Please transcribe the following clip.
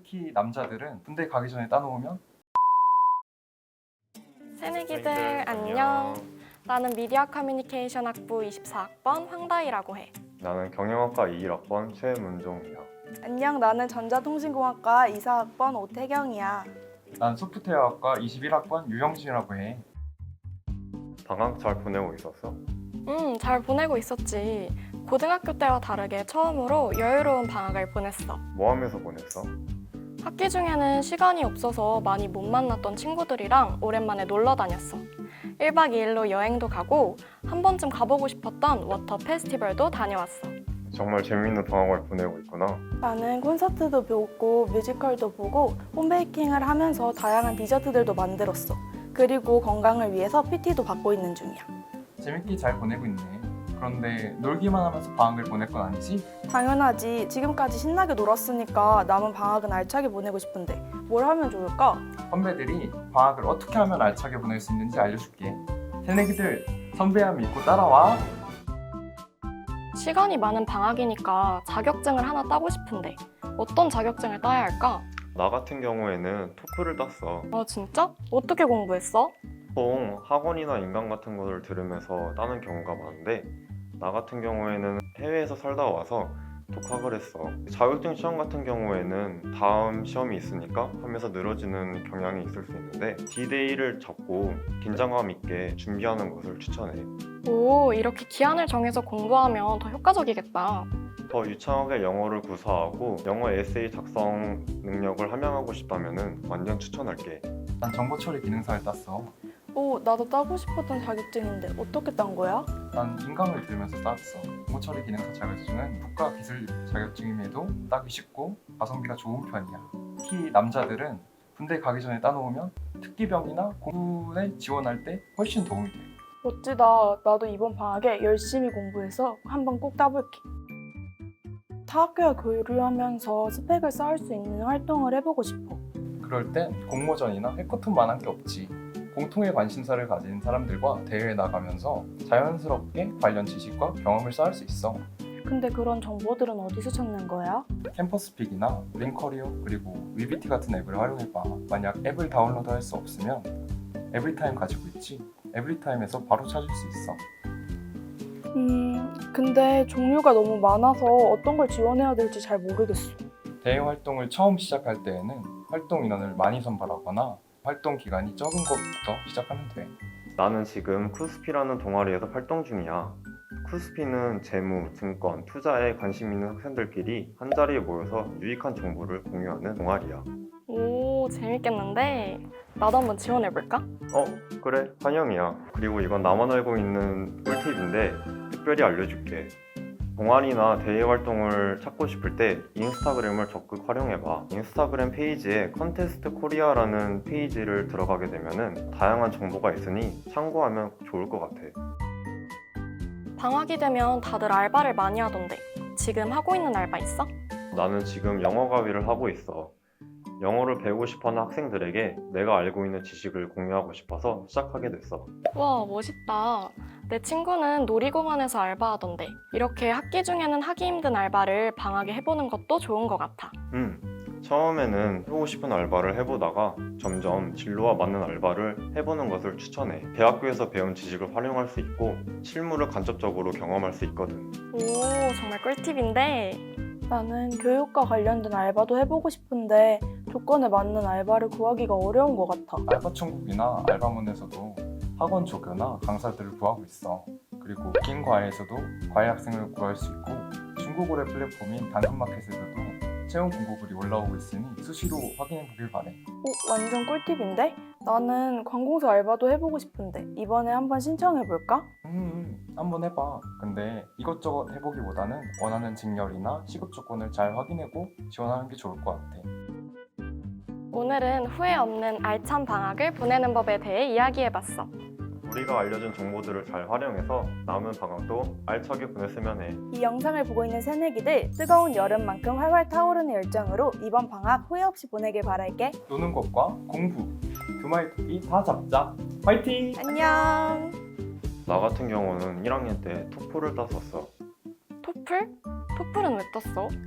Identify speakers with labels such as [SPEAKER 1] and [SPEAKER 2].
[SPEAKER 1] 특히 남자들은 군대 가기 전에 따놓으면
[SPEAKER 2] 새내기들 안녕. 나는 미디어 커뮤니케이션 학부 24학번 황다희라고 해.
[SPEAKER 3] 나는 경영학과 21학번 최문종이야.
[SPEAKER 4] 안녕, 나는 전자통신공학과 이사학번 오태경이야.
[SPEAKER 1] 난 소프트웨어학과 21학번 유영진이라고 해.
[SPEAKER 3] 방학 잘 보내고 있었어?
[SPEAKER 2] 잘 보내고 있었지. 고등학교 때와 다르게 처음으로 여유로운 방학을 보냈어.
[SPEAKER 3] 뭐 하면서 보냈어?
[SPEAKER 2] 학기 중에는 시간이 없어서 많이 못 만났던 친구들이랑 오랜만에 놀러 다녔어. 1박 2일로 여행도 가고 한 번쯤 가보고 싶었던 워터 페스티벌도 다녀왔어.
[SPEAKER 3] 정말 재밌는 방학을 보내고 있구나.
[SPEAKER 4] 나는 콘서트도 보고 뮤지컬도 보고 홈베이킹을 하면서 다양한 디저트들도 만들었어. 그리고 건강을 위해서 PT도 받고 있는 중이야.
[SPEAKER 1] 재밌게 잘 보내고 있네. 그런데 놀기만 하면서 방학을 보낼 건 아니지?
[SPEAKER 4] 당연하지. 지금까지 신나게 놀았으니까 남은 방학은 알차게 보내고 싶은데 뭘 하면 좋을까?
[SPEAKER 1] 선배들이 방학을 어떻게 하면 알차게 보낼 수 있는지 알려줄게. 새내기들 선배야 믿고 따라와.
[SPEAKER 2] 시간이 많은 방학이니까 자격증을 하나 따고 싶은데 어떤 자격증을 따야 할까?
[SPEAKER 3] 나 같은 경우에는 토플을 땄어.
[SPEAKER 2] 아 진짜? 어떻게 공부했어?
[SPEAKER 3] 보통 학원이나 인강 같은 거를 들으면서 따는 경우가 많은데 나 같은 경우에는 해외에서 살다 와서 독학을 했어. 자격증 시험 같은 경우에는 다음 시험이 있으니까 하면서 늘어지는 경향이 있을 수 있는데 D-Day를 잡고 긴장감 있게 준비하는 것을 추천해.
[SPEAKER 2] 오, 이렇게 기한을 정해서 공부하면 더 효과적이겠다.
[SPEAKER 3] 더 유창하게 영어를 구사하고 영어 에세이 작성 능력을 함양하고 싶다면 완전 추천할게.
[SPEAKER 1] 난 정보처리 기능사를 땄어.
[SPEAKER 4] 오, 나도 따고 싶었던 자격증인데 어떻게 딴 거야?
[SPEAKER 1] 난 인강을 들으면서 땄어. 정보처리 기능사 자격증은 국가 기술 자격증임에도 따기 쉽고 가성비가 좋은 편이야. 특히 남자들은 군대 가기 전에 따놓으면 특기병이나 공군에 지원할 때 훨씬 도움이 돼.
[SPEAKER 4] 멋지다. 나도 이번 방학에 열심히 공부해서 한번 꼭 따볼게. 타학교와 교류하면서 스펙을 쌓을 수 있는 활동을 해보고 싶어.
[SPEAKER 1] 그럴 땐 공모전이나 해커톤만 한 게 없지. 공통의 관심사를 가진 사람들과 대회에 나가면서 자연스럽게 관련 지식과 경험을 쌓을 수 있어.
[SPEAKER 4] 근데 그런 정보들은 어디서 찾는 거야?
[SPEAKER 1] 캠퍼스픽이나 링커리어 그리고 위비티 같은 앱을 활용해봐. 만약 앱을 다운로드할 수 없으면 에브리타임 가지고 있지. 에브리타임에서 바로 찾을 수 있어.
[SPEAKER 4] 근데 종류가 너무 많아서 어떤 걸 지원해야 될지 잘 모르겠어.
[SPEAKER 1] 대회 활동을 처음 시작할 때에는 활동 인원을 많이 선발하거나 활동 기간이 적은 것부터 시작하면 돼.
[SPEAKER 3] 나는 지금 쿠스피라는 동아리에서 활동 중이야. 쿠스피는 재무, 증권, 투자에 관심 있는 학생들끼리 한자리에 모여서 유익한 정보를 공유하는 동아리야.
[SPEAKER 2] 오, 재밌겠는데? 나도 한번 지원해볼까?
[SPEAKER 3] 그래, 환영이야. 그리고 이건 나만 알고 있는 꿀팁인데 특별히 알려줄게. 동아리나 대외 활동을 찾고 싶을 때 인스타그램을 적극 활용해봐. 인스타그램 페이지에 컨테스트 코리아라는 페이지를 들어가게 되면은 다양한 정보가 있으니 참고하면 좋을 것 같아.
[SPEAKER 2] 방학이 되면 다들 알바를 많이 하던데 지금 하고 있는 알바 있어?
[SPEAKER 3] 나는 지금 영어 가위를 하고 있어. 영어를 배우고 싶어하는 학생들에게 내가 알고 있는 지식을 공유하고 싶어서 시작하게 됐어.
[SPEAKER 2] 와, 멋있다. 내 친구는 놀이공원에서 알바하던데 이렇게 학기 중에는 하기 힘든 알바를 방학에 해보는 것도 좋은 것 같아.
[SPEAKER 3] 처음에는 해보고 싶은 알바를 해보다가 점점 진로와 맞는 알바를 해보는 것을 추천해. 대학교에서 배운 지식을 활용할 수 있고 실무를 간접적으로 경험할 수 있거든.
[SPEAKER 2] 오, 정말 꿀팁인데.
[SPEAKER 4] 나는 교육과 관련된 알바도 해보고 싶은데 조건에 맞는 알바를 구하기가 어려운 것 같아.
[SPEAKER 1] 알바천국이나 알바몬에서도 학원 조교나 강사들을 구하고 있어. 그리고 긴 과외에서도 과외 학생을 구할 수 있고 중고거래 플랫폼인 당근마켓에서도 채용 공고글이 올라오고 있으니 수시로 확인해 보길 바래.
[SPEAKER 4] 오, 완전 꿀팁인데? 나는 관공서 알바도 해보고 싶은데 이번에 한번 신청해볼까?
[SPEAKER 1] 한번 해봐. 근데 이것저것 해보기보다는 원하는 직렬이나 시급 조건을 잘 확인하고 지원하는 게 좋을 것 같아.
[SPEAKER 2] 오늘은 후회 없는 알찬 방학을 보내는 법에 대해 이야기해봤어.
[SPEAKER 3] 우리가 알려준 정보들을 잘 활용해서 남은 방학도 알차게 보냈으면 해.
[SPEAKER 4] 이 영상을 보고 있는 새내기들 뜨거운 여름만큼 활활 타오르는 열정으로 이번 방학 후회 없이 보내길 바랄게.
[SPEAKER 1] 노는 것과 공부 두 마리 토끼 다 잡자. 화이팅!
[SPEAKER 4] 안녕.
[SPEAKER 3] 나 같은 경우는 1학년 때 토플을 땄었어.
[SPEAKER 2] 토플? 토플은 왜 떴어?